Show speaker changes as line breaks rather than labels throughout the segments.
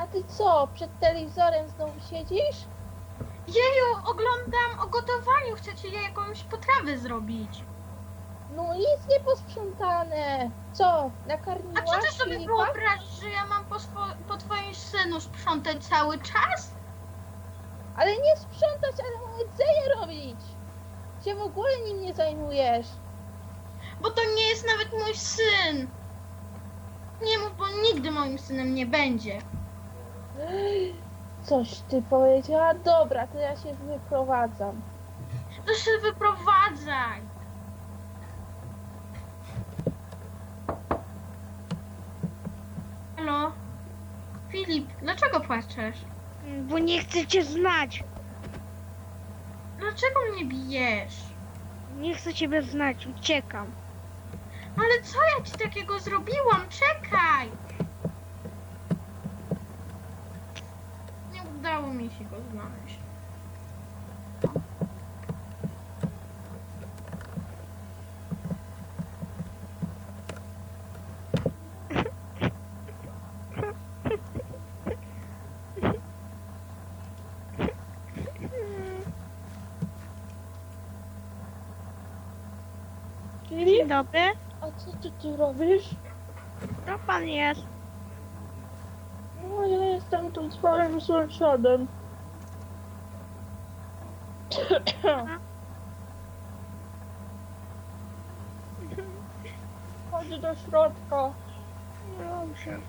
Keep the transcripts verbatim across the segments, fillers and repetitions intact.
A ty co, przed telewizorem znowu siedzisz?
Jeju, oglądam o gotowaniu. Chcecie je jakąś potrawę zrobić?
No nic nie posprzątane. Co,
A
nakarmiłaś
czy ty sobie
Filipa?
wyobrażasz, że ja mam po, swo- po twoim synu sprzątać cały czas?
Ale nie sprzątać, ale mu jedzenie robić. Się w ogóle nim nie zajmujesz.
Bo to nie jest nawet mój syn. Nie mów, bo nigdy moim synem nie będzie.
Coś ty powiedziała? Dobra, to ja się wyprowadzam.
To się wyprowadzaj. Halo? Filip, dlaczego płaczesz?
Bo nie chcę cię znać.
Dlaczego mnie bijesz?
Nie chcę ciebie znać, uciekam.
Ale co ja ci takiego zrobiłam? Czekaj! Nie udało mi się go znaleźć.
Dzień
Filip,
dobry.
a co ty tu robisz?
To pan jest.
No ja jestem tu swoim sąsiadem. Chodź do środka.
Dobrze.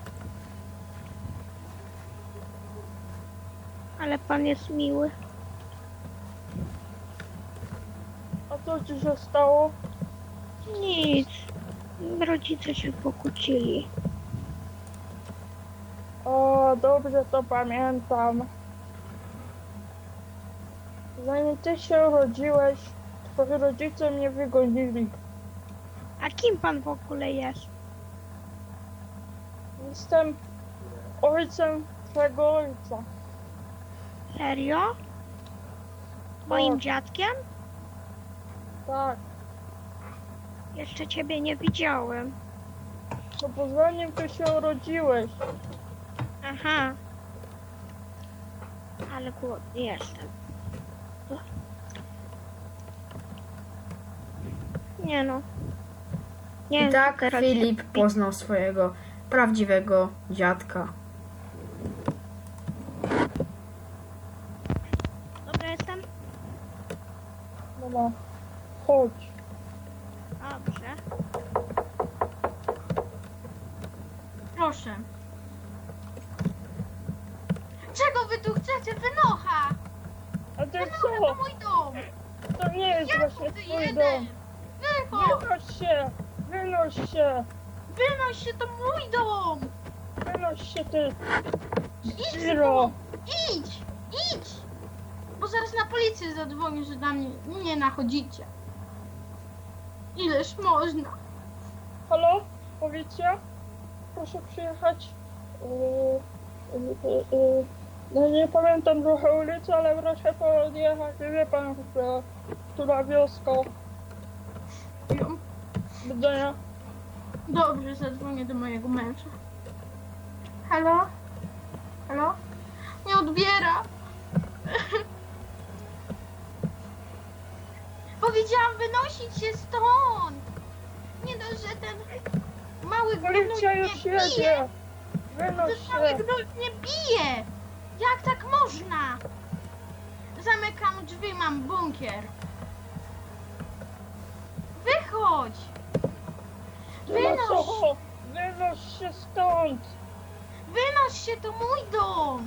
Ale pan jest miły.
A co ci się stało?
Nic. Rodzice się pokłócili.
O, dobrze to pamiętam. Zanim ty się urodziłeś, twoi rodzice mnie wygonili.
A kim pan w ogóle jest?
Jestem ojcem twego ojca.
Serio? Moim
Tak.
dziadkiem?
Tak,
Jeszcze ciebie nie widziałem.
no bo zanim ty się urodziłeś.
Aha. Ale głodny jestem. Nie no. Nie
I
wiem,
tak
co teraz
Filip
robić.
poznał swojego prawdziwego dziadka.
Dobra jestem?
Mama, chodź.
Dobrze.
Proszę. Czego wy tu chcecie? Wynocha!
A ty
Wynocha
co?
to mój dom!
To nie jest
Ja
właśnie
tu
twój
jeden!
dom.
Wychodź!
Wynoś się! Wynoś się!
Wynoś się, to mój dom!
Wynoś się ty!
Idź
Zero!
Idź! Idź! Bo zaraz na policję zadzwonię, że na mnie nie nachodzicie. Ileż można?
Halo? Policja? Proszę przyjechać. Yy, yy, yy, no nie pamiętam trochę ulicy, ale proszę podjechać. Wie pan, która, która wioska.
Jo.
Do widzenia.
Dobrze, zadzwonię do mojego męża. Halo? Halo? Nie odbiera. Powiedziałam wynosić się stąd. Nie dość, że ten mały gnój
Policja
mnie
już
bije.
jedzie! Wynoś
Ten mały
się!
gnój mnie bije. Jak tak można? Zamykam drzwi, mam bunkier. Wychodź.
Nie ma
Wynoś.
co! Wynoś się stąd!
Wynoś się, to mój dom!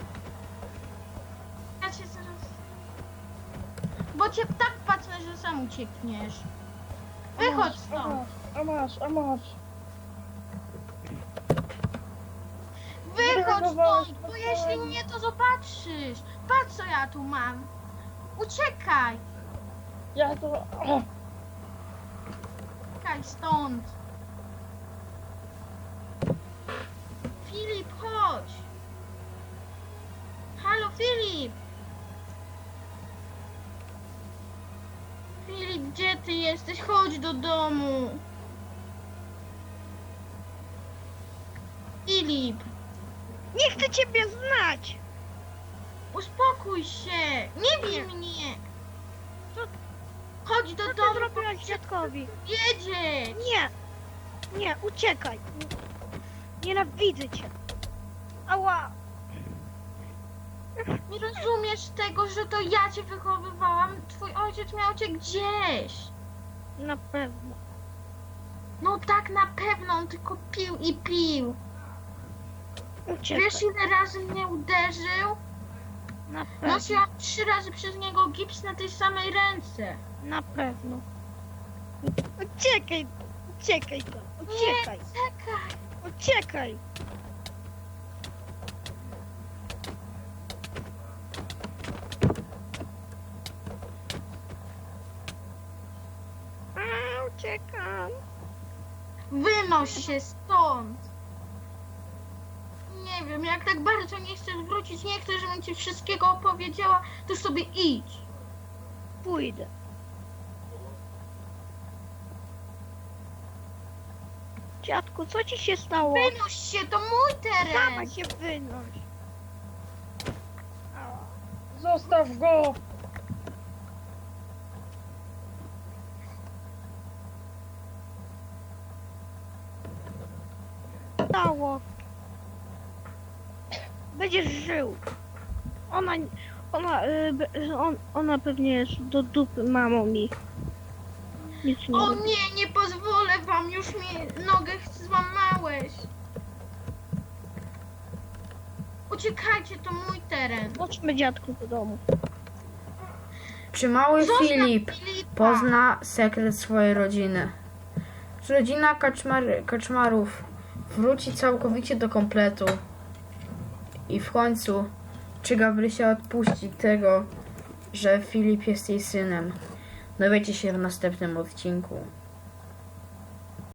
Ja cię zaraz... Bo cię tak patrzę, że sam uciekniesz.
A
Wychodź
masz,
stąd!
A masz, a masz!
Wychodź
Zdenerwowałaś
stąd, bo
mnie.
jeśli nie, to zobaczysz. Patrz, co ja tu mam. Uciekaj!
Ja to...
Uciekaj stąd! Filip, chodź! Halo, Filip! Filip, gdzie ty jesteś? Chodź do domu! Filip!
Nie chcę ciebie znać!
Uspokój się! Nie bij
Nie.
mnie!
Co-
Chodź do
Co ty
domu,
zrobiłaś dziadkowi?
jedzieć!
Nie! Nie, uciekaj! Nienawidzę cię! Ała!
Nie rozumiesz tego, że to ja cię wychowywałam? Twój ojciec miał cię gdzieś.
Na pewno.
No tak na pewno, on tylko pił i pił.
Uciekaj.
Wiesz ile razy mnie uderzył?
Na pewno.
Nosiłam trzy razy przez niego gips na tej samej ręce.
Na pewno. Uciekaj! Uciekaj to! Uciekaj!
Czekaj.
Uciekaj! A, uciekam!
Wynoś się stąd. Nie wiem, jak tak bardzo nie chcesz wrócić, nie chcesz, żebym ci wszystkiego opowiedziała, to sobie idź.
Pójdę. Dziadku, co ci się stało?
Wynoś się, to mój
Sama
teren.
się wynoś. Ała.
Zostaw go!
Stało. Będziesz żył. Ona, ona, y, be- on, ona pewnie jest do dupy mamą mi. Nic nie
O
robi.
nie, nie pozwolę wam, już mi nogę złamałeś. Uciekajcie, to mój teren.
Chodźmy dziadku do domu.
Czy mały
Zostaw
Filip
Filipa.
pozna sekret swojej rodziny? Czy rodzina kaczmar, kaczmarów wróci całkowicie do kompletu? I w końcu, czy Gabrysia odpuści tego, że Filip jest jej synem? Dowiecie się w następnym odcinku.